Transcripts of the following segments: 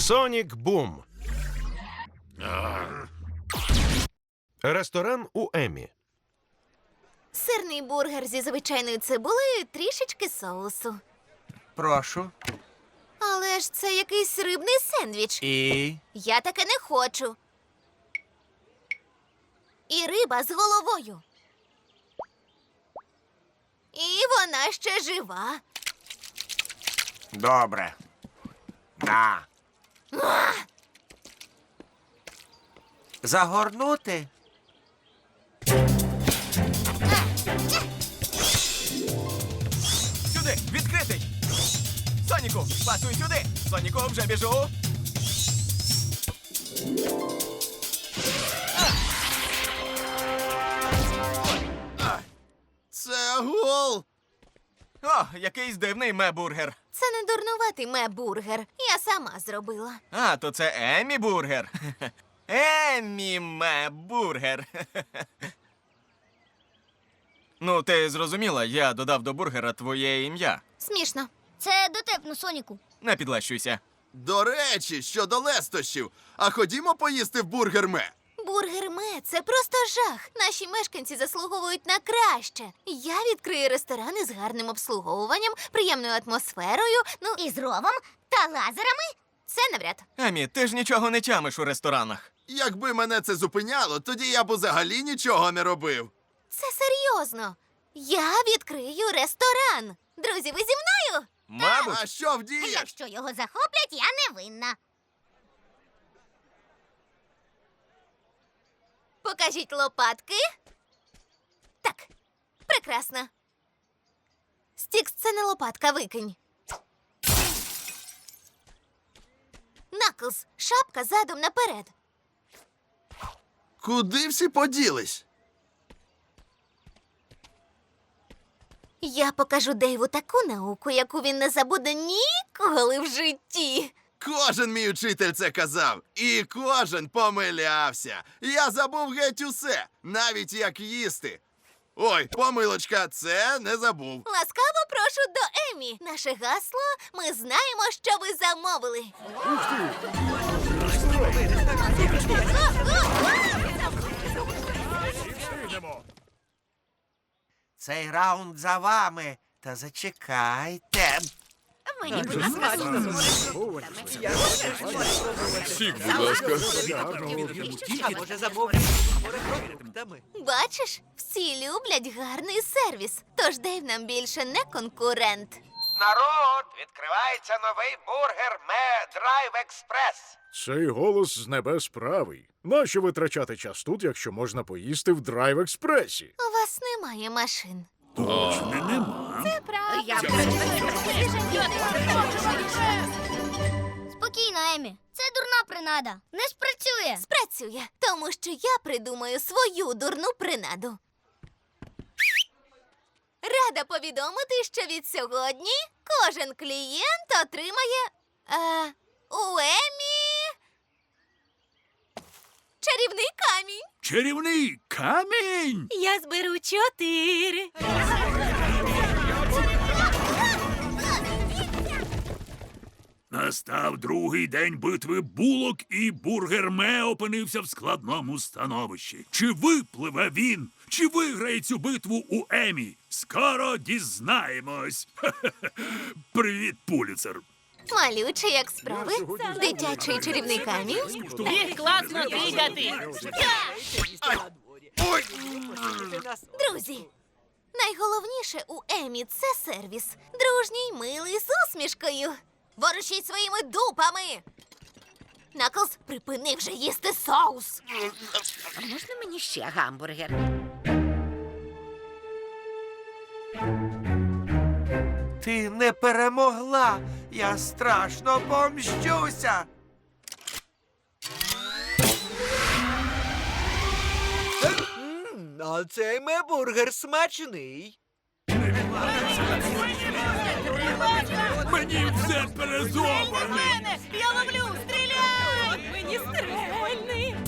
Сонік Бум. Ресторан у Емі. Сирний бургер зі звичайною цибулею і трішечки соусу. Прошу. Але ж це якийсь рибний сендвіч. І? Я таке не хочу. І риба з головою. І вона ще жива. Добре. На. Загорнути? Сюди! Відкритий! Соніку, пасуй сюди! Соніку, вже біжу! Це гол! О, якийсь дивний мебургер. Це не дурнуватий мебургер. Я сама зробила. А, то це Еммі бургер. Еммі мебургер. Ну, ти зрозуміла, я додав до бургера твоє ім'я. Смішно. Це дотепно, Соніку. Не підлещуйся. До речі, щодо лестощів. А ходімо поїсти в бургер-ме. Бургер-ме – це просто жах. Наші мешканці заслуговують на краще. Я відкрию ресторан із гарним обслуговуванням, приємною атмосферою, І з ровом та лазерами. це навряд. Еммі, ти ж нічого не тямиш у ресторанах. Якби мене це зупиняло, тоді я б взагалі нічого не робив. Це серйозно. Я відкрию ресторан. Друзі, ви зі мною? Мабуть. А що вдієш? Якщо його захоплять, я не винна. Покажіть лопатки. Так, прекрасно. Стікс, це не лопатка, викинь. Наклз, шапка задом наперед. Куди всі поділись? Я покажу Дейву таку науку, яку він не забуде ніколи в житті. Кожен мій учитель це казав. І кожен помилявся. Я забув геть усе, навіть як їсти. Ой, помилочка, це не забув. Ласкаво прошу до Емі. Наше гасло – ми знаємо, що ви замовили. Цей раунд за вами. Та зачекайте. Мені буде смачно. Бачиш, всі люблять гарний сервіс. Тож Дейв нам більше не конкурент. Народ, відкривається новий бургер Ме Драйв Експрес. Цей голос з небес правий. Нащо витрачати час тут, якщо можна поїсти в драйв-експресі? У вас немає машин. Спокійно, Емі. Це дурна принада. Не спрацює. Спрацює, тому що я придумаю свою дурну принаду. Рада повідомити, що від сьогодні кожен клієнт отримає у Емі чарівний камінь. Чарівний камінь! Я зберу 4. Настав другий день битви булок, і бургер Ме опинився в складному становищі. Чи випливе він? Чи виграє цю битву у Емі? Скоро дізнаємось. Привіт, Пуліцер. Малючий, як справи. Дитячий чарівний камінь. Класно двигати! Друзі, найголовніше у Емі – це сервіс. Дружній, милий, з усмішкою. Ворушіть своїми дупами! Наклз, припини вже їсти соус. Можна мені ще гамбургер? Ти не перемогла. Я страшно помщуся. А цей мебургер смачний. Мені все перезоване! Я ловлю! Стріляй! Мені стрельний!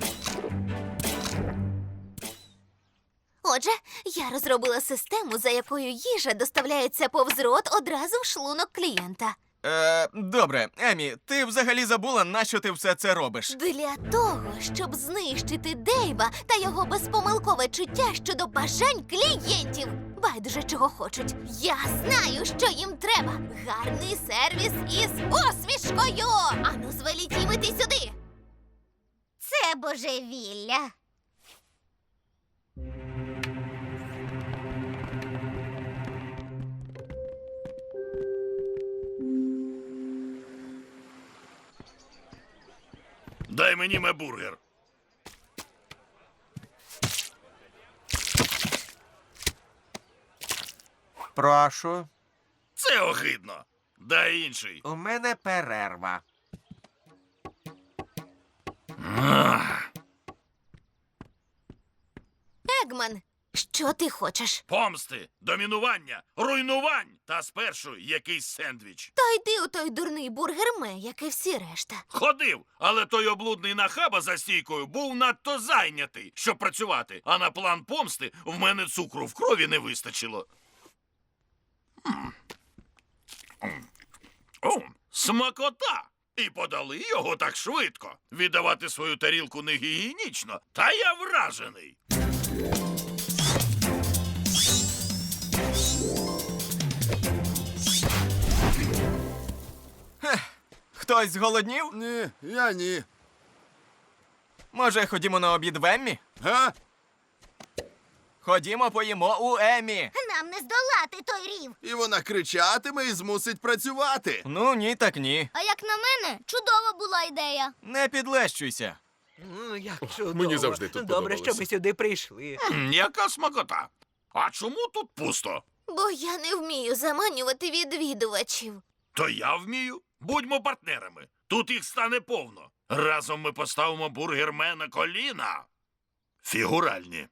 Отже, я розробила систему, за якою їжа доставляється повз рот одразу в шлунок клієнта. Добре, Емі, ти взагалі забула, нащо ти все це робиш? Для того, щоб знищити Дейва та його безпомилкове чуття щодо бажань клієнтів. Байдуже, чого хочуть. Я знаю, що їм треба. Гарний сервіс із усмішкою. Ану, звеліть їм іти сюди. Це божевілля. Дай мені мебургер. Прошу, Це огидно. Дай інший. у мене перерва. Егман, що ти хочеш? Помсти, домінування, руйнувань та спершу якийсь сендвіч. Та йди у той дурний бургерме, як і всі решта. Ходив, але той облудний нахаба за стійкою був надто зайнятий, щоб працювати, а на план помсти в мене цукру в крові не вистачило. О, смакота! І подали його так швидко. Віддавати свою тарілку не гігієнічно, та я вражений. Хтось зголоднів? Ні, я ні. Може, ходімо на обід в Еммі? Га? Ходімо поїмо у Еммі. Нам не здолати той рів. І вона кричатиме і змусить працювати. Ну, ні, так ні. А як на мене, чудова була ідея. Не підлещуйся. Як чудово. Мені завжди тут Добре, що подобалося. ми сюди прийшли. Яка смакота? А чому тут пусто? Бо я не вмію заманювати відвідувачів. То я вмію. Будьмо партнерами. Тут їх стане повно. Разом ми поставимо бургерме на коліна. Фігуральні.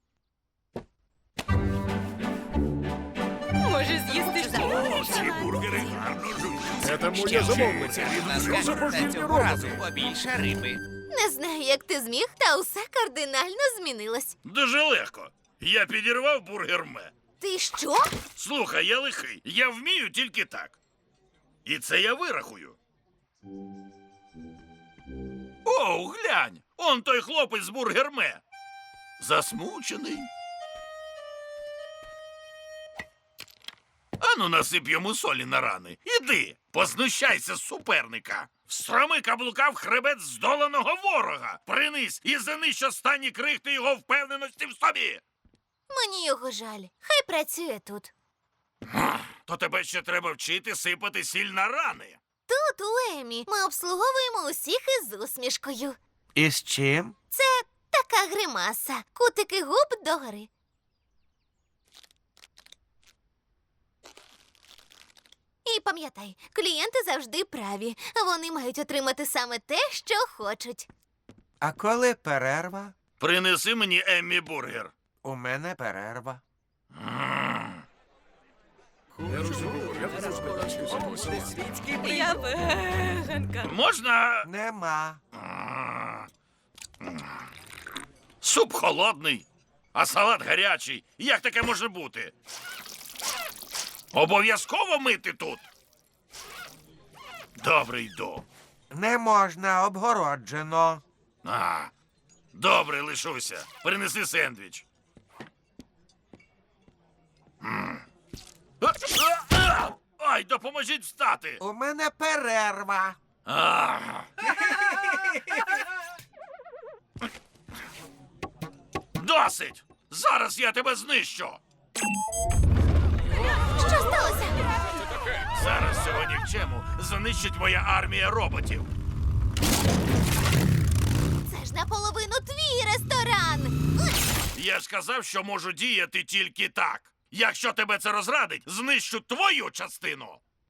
Може з'їсти ще О, ці бургери гарно жують. Це моє замовлення. Що за божевільні роботи? побільше риби. Не знаю, як ти зміг, та усе кардинально змінилось. Дуже легко. Я підірвав бургерме. Ти що? Слухай, я лихий. Я вмію тільки так. І це я вирахую. О, глянь! Он той хлопець з бургерме. Засмучений. Ану, насип йому солі на рани. Іди, познущайся з суперника. Встроми каблука в хребет здоланого ворога. Принись і занищ останні крихти його впевненості в собі. Мені його жаль. Хай працює тут. То тебе ще треба вчити сипати сіль на рани. Тут, у Емі, ми обслуговуємо усіх із усмішкою. І з чим? Це така гримаса. Кутики губ догори. І пам'ятай, клієнти завжди праві. Вони мають отримати саме те, що хочуть. А коли перерва? Принеси мені Еммі бургер. У мене перерва. Я розумію, я не розумію. Я веганка. Можна. Нема. Суп холодний, а салат гарячий. Як таке може бути? Обов'язково мити тут. Добре, йду. Не можна, обгороджено. Добре, лишуся. Принеси сендвіч. Ай, допоможіть встати. У мене перерва. Досить! Зараз я тебе знищу. Що сталося? Зараз цього нікчему знищить моя армія роботів. Це ж наполовину твій ресторан. Я ж казав, що можу діяти тільки так. Якщо тебе це розрадить, знищу твою частину.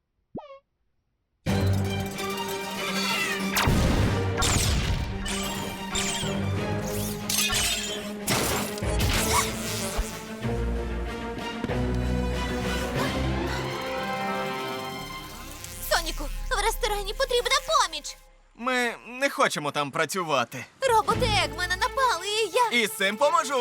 Соніку, в ресторані потрібна поміч. Ми не хочемо там працювати. Роботи Егмана напали, і я... І з цим поможу.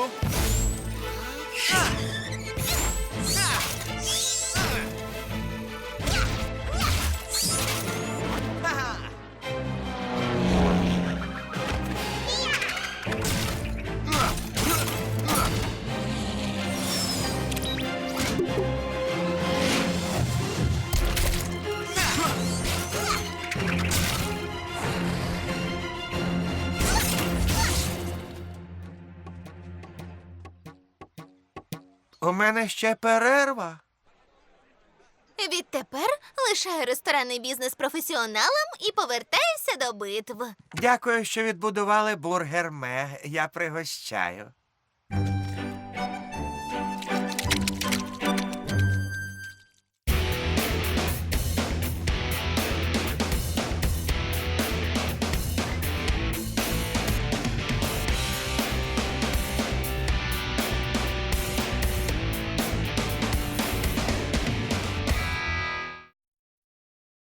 У мене ще перерва. Відтепер лишаю ресторанний бізнес професіоналам і повертаюся до битв. Дякую, що відбудували бургер Ме. Я пригощаю.